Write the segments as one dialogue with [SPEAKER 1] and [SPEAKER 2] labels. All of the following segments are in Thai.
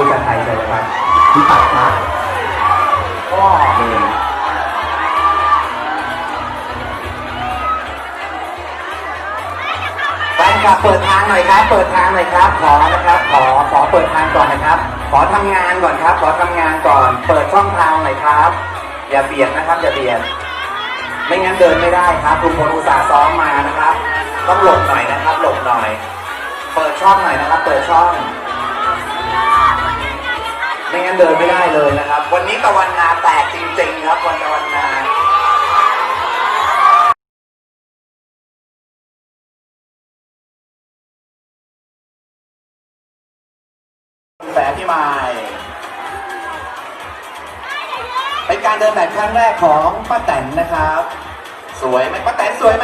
[SPEAKER 1] กับไทยเลยครับที่ตัดนะก็แฟนคลับเปิดทางหน่อยครับเปิดทางหน่อยครับขอนะครับขอเปิดทางก่อนนะครับขอทำงานก่อนครับขอทำงานก่อนเปิดช่องทางหน่อยครับอย่าเบียดนะครับอย่าเบียดไม่งั้นเดินไม่ได้ครับทุกคนอุตส่าห์ซ้อมมานะครับต้องหลบหน่อยนะครับหลบหน่อยเปิดช่องหน่อยนะครับเปิดช่องไม่งั้นเดินไม่ได้เลยนะครับวันนี้ตะวันนาแตกจริงๆครับวันตะวันนาแฝดพี่ไม้เป็นการเดินแบบครั้งแรกของป้าแตนนะครับสวยไหมป้าแตนสวยไหม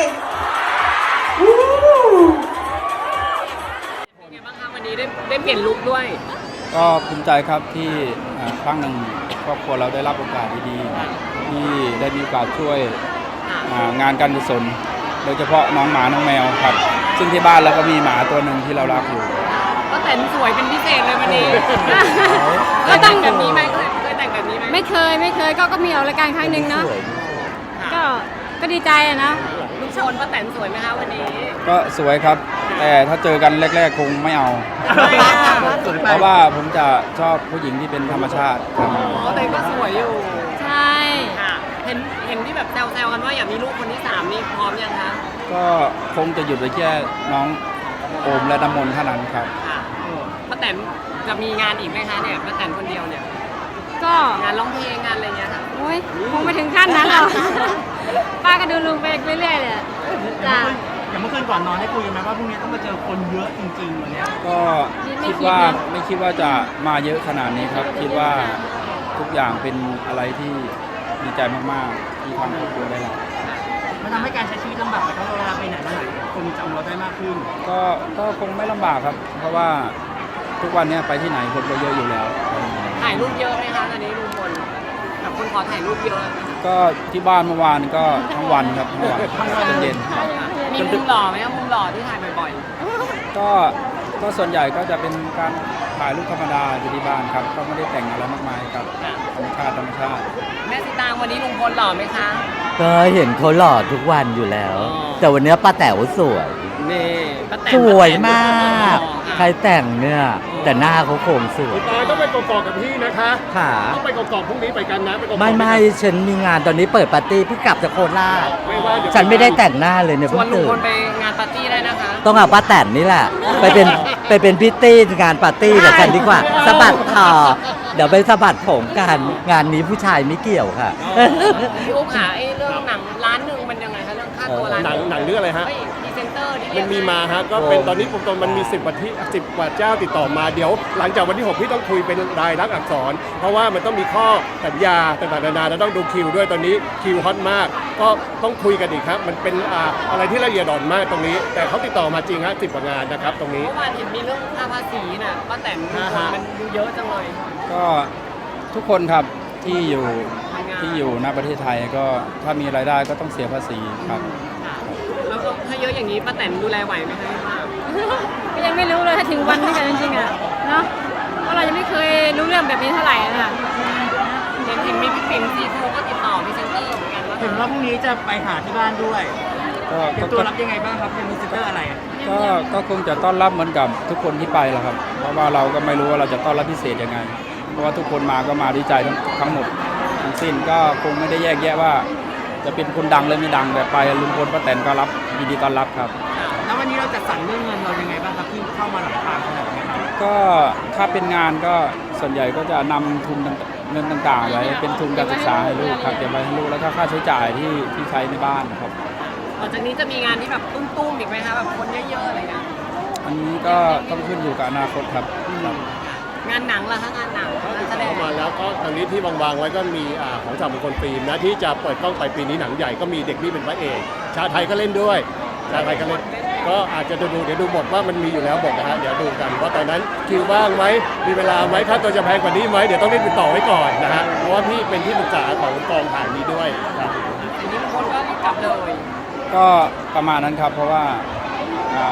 [SPEAKER 2] เป็นไงบ้างคะวันนี้ได้เปลี่ยนลุคด้วย
[SPEAKER 3] ก็ภูมิใจครับที่ครั้งหนึ่งครอบครัวเราได้รับโอกาสดีๆที่ได้มีโอกาสช่วยงานการกุศลโดยเฉพาะน้องหมาน้องแมวครับซึ่งที่บ้านเราก็มีหมาตัวหนึ่งที่เรารักอยู่
[SPEAKER 2] ก็แต่งสวยเป็นพิเศษเลยวันนี้ก็แต่งแบบนี้ไหมเคยแต่งแบบนี้ไหม
[SPEAKER 4] ไม่เคยก็มีออกรายการครั้งหนึ่งเนาะก็ดีใจอะนะ
[SPEAKER 2] ลุคโชนป้าแตนสวยไหมคะวันนี้
[SPEAKER 3] ก็สวยครับแต่ถ้าเจอกันแรกๆคงไม่เอาเพราะว่าผมจะชอบผู้หญิงที่เป็นธรรมชาติ
[SPEAKER 2] แต่ก็สวยอยู่
[SPEAKER 4] ใช่
[SPEAKER 2] เห็นที่แบบแซวๆกันว่าอยากมีลูกคนที่3นี่พร้อมยังคะ
[SPEAKER 3] ก็คงจะหยุดไปแค่น้องโอมและน้ำมนต์เท่านั้นครับ
[SPEAKER 2] ป้าแตนจะมีงานอีกไหมคะเนี่ยป้าแตนคนเดียวเนี่ย
[SPEAKER 4] ก็
[SPEAKER 2] งานร้องเพลงงานอะไรเงี้ยค่ะ
[SPEAKER 4] โอ้ยคงไปถึงขั้นนั้นหรอกป้าก็ดูลุงไปเรื่อยๆเลยจ้ะ
[SPEAKER 5] อย่างเมื่อคืนก่อนนอนได้คุยกันไหมว่าพรุ่งนี้ต้องมาเจอคนเยอะจริงๆวันนี้
[SPEAKER 3] ก็ไม่คิดว่าจะมาเยอะขนาดนี้ครับคิดว่าทุกอย่างเป็นอะไรที่ดีใจมากๆที่ทางครอบครัวได้รับ
[SPEAKER 5] มันทำให้การใช้ชีวิตลำบากไหมเพราะเวลาไปไหนมาไหนคนจำเราได้มากขึ้น
[SPEAKER 3] ก็คงไม่ลำบากครับเพราะว่าทุกวันนี้ไปที่ไหนคนก็เยอะอยู่แล้ว
[SPEAKER 2] ถ่ายรูปเยอะไหมคะตอนนี้ลุงพลกับคนขอถ่ายรูปเยอะ
[SPEAKER 3] ก็ที่บ้านเมื่อวานก็ทั้งวันครับทั้งวันเย็น
[SPEAKER 2] มีมุมหล่อไหมครับมุมหล่อที่ถ่ายบ่อย
[SPEAKER 3] ๆก็ส่วนใหญ่ก็จะเป็นการถ่ายรูปธรรมดาที่บ้านครับก็ไม่ได้แต่งอะไรมากมายครับธรรมชาติ
[SPEAKER 2] แม่สีตางวันนี้ลุงพลหล่อไหมคะ
[SPEAKER 6] ก็เห็นเขาหล่อทุกวันอยู่แล้ว แต่วันนี้ป้าแต๋วสวย
[SPEAKER 2] นี่
[SPEAKER 6] สวยมากใครแต่งเนี่ยแต่หน้าเขาโครงสวย
[SPEAKER 5] ต้องไปกอกกับพี่นะคะ
[SPEAKER 6] ค่ะ
[SPEAKER 5] ต้องไปกอกพรุ่งนี้ไปกันนะ
[SPEAKER 6] ไม่ฉันมีงานตอนนี้เปิดปาร์ตี้เพิ่งกลับจากโคราชฉันไม่ได้แต่งหน้าเลยเนี่ย
[SPEAKER 2] ชวนลุงพลไปงานปาร์ตี้ได้นะคะ
[SPEAKER 6] ต้องเอาป้าแตนนี่แหละไปเป็นพิตตี้งานปาร์ตี้กับฉันดีกว่าสะบัดคอเดี๋ยวไปสะบัดผมกันงานนี้ผู้ชายไม่เกี่ยวค่ะ
[SPEAKER 2] พี่อุ๊บหาเรื่องหนังล้านหนึ่งมันยังไงคะเรื่องค่าตัวล้าน
[SPEAKER 5] หนังเรื่องอะไรฮะ
[SPEAKER 2] พรีเซนเตอร์
[SPEAKER 5] มันมีมาฮะก็เป็นตอนนี้มันมี10 กว่าเจ้าติดต่อมาเดี๋ยวหลังจากวันที่6พี่ต้องคุยเป็นรายลักษณ์อักษรเพราะว่ามันต้องมีข้อสัญญาต่างๆนานาแล้วต้องดูคิวด้วยตอนนี้คิวฮอตมากก็ต้องคุยกันอีกครับมันเป็นอะไรที่ละเอียดอ่อนมากตรงนี้แต่เขาติดต่อมาจริงฮะ10 กว่างานนะครับตรงนี้
[SPEAKER 2] เมื่อวานเห็นมีเรื่องค่าภาษีน่ะป้าแตนมันเยอะจังเลย
[SPEAKER 3] ก็ทุกคนครับที่อยู่ณประเทศไทยก็ถ้ามีรายได้ก็ต้องเสียภาษีครับ
[SPEAKER 2] แล้วก็ถ้าเยอะอย่างนี้ป้าแตนดูแลไหวไหมคะ
[SPEAKER 4] ก็ยังไม่รู้เลยถ้าถึงวันนี้กันจริงๆอะเนาะเพราะเรายังไม่เคยรู้เรื่องแบบนี้เท่าไหร่นะ
[SPEAKER 2] เห็นมีพี่ปิ่นซีทูก็ติดต่อพรีเซนเตอร์เหมือนกัน
[SPEAKER 5] เห็นว่าพรุ่งนี้จะไปหาที่บ้านด้วยเป็นตัวรับยังไงบ้างครับเป็นพรีเซนเตอร์อะไร
[SPEAKER 3] ก็คงจะต้อนรับเหมือนกับทุกคนที่ไปแหละครับเพราะว่าเราก็ไม่รู้ว่าเราจะต้อนรับพิเศษยังไงเพราะว่าทุกคนมาก็มาด้วยใจทั้งหมดทั้งสิ้นก็คงไม่ได้แยกแยะว่าจะเป็นคนดังหรือไม่ดังแต่ไปลุงพลป้าแตนก็รับยินดีต้อนรับครับ
[SPEAKER 5] แล้ววันนี้เราจะสั่งเรื่องเงินเรายังไงบ้างครับที่เข้ามาหลังทางขนาดนี้ครับ
[SPEAKER 3] ก็ถ้าเป็นงานก็ส่วนใหญ่ก็จะนำทุนเงินต่างๆไว้เป็นทุนการศึกษาให้ลูกครับเก็บไว้ให้ลูกแล้วก็ค่าใช้จ่ายที่ใช้ในบ้านครับ
[SPEAKER 2] หลังจากนี้จะมีงานที่แบบตุ้มๆอีกไหมคะแบบคนเยอะๆอะไรเงี้ย
[SPEAKER 3] อันนี้ก็ต้องขึ้นอยู่กับอนาคตครับ
[SPEAKER 2] งานหนังล่ะคะงานหนัง
[SPEAKER 5] แสดงมาแล้วก็ตอนนี้ที่วางไว้ก็มีของจากมงคลฟิล์มนะที่จะเปิดกล้องไปปีนี้หนังใหญ่ก็มีเด็กนี่เป็นพระเอกชาไทยก็เล่นด้วยชาไทยก็เล่นก็อาจจะเดี๋ยวดูบทว่ามันมีอยู่แล้วบทนะฮะเดี๋ยวดูกันว่าตอนนั้นคิวว่างไหมมีเวลาไหมค่าตัวจะแพงกว่านี้ไหมเดี๋ยวต้องรีบติดต่อไว้ก่อนนะฮะเพราะว่าพี่เป็นที่ปรึกษาของกองถ่ายนี้ด้วยครับ
[SPEAKER 2] ทีนี้คนก็กลับเลย
[SPEAKER 3] ก็ประมาณนั้นครับเพราะว่า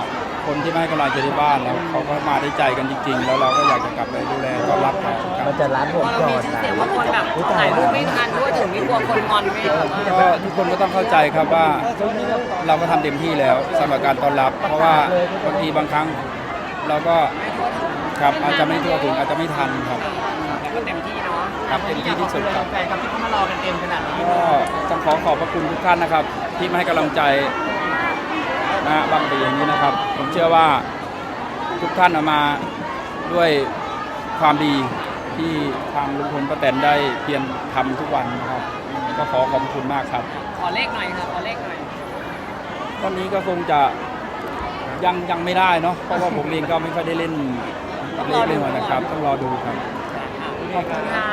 [SPEAKER 3] คนที่ไม่ให้กำลังใจที่บ้านแล้วเขาก็มาได้ใจกันจริง ๆ แล้วเราก็อยากจะกลับไปดูแลต้อนรับเขาครับ
[SPEAKER 6] มันจะรัดผม
[SPEAKER 2] พอเรา
[SPEAKER 6] ก่อ
[SPEAKER 2] มี
[SPEAKER 6] น
[SPEAKER 2] ชื่อ
[SPEAKER 6] นะ
[SPEAKER 2] เสียงว่าคนแบบถ่ายรูปไม่ทันด้วยถึงไม่กลัวคนงอนไม่หรือว่า
[SPEAKER 3] ก็ทุกคนก็ต้องเข้าใจครับว่าเราก็ทำเต็มที่แล้วสำหรับการต้อนรับ เพราะว่าบางทีบางครั้งเราก็ครับอาจจะไม่ทั่วถึงอาจจะไม่ทันครับ
[SPEAKER 2] แต่ก็เต็มที่เนาะ
[SPEAKER 3] ครับเต็มที่ที่สุดครับ
[SPEAKER 2] แฟนครับที่เขามารอกันเต็มขนาดนี้
[SPEAKER 3] ก็ต้องขอบพระคุณทุกท่านนะครับ ที่มาให้กำลังใจนะบางปีอย่างนี้นะครับ ผมเชื่อว่าทุกท่านเอามาด้วยความดีที่ทางลุงพลป้าแตนได้เพียรทำทุกวันนะครับ ก็ขอบคุณมากครับ
[SPEAKER 2] ขอเลขหน่อยค่ะขอเลขหน่อย
[SPEAKER 3] ตอนนี้ก็คงจะยังไม่ได้เนาะเพราะว่าผมเองก็ไม่ค่อยได้เล่นเลขเลยนะครับ ต้องรอดูครับ
[SPEAKER 2] ขอบคุณค่ะ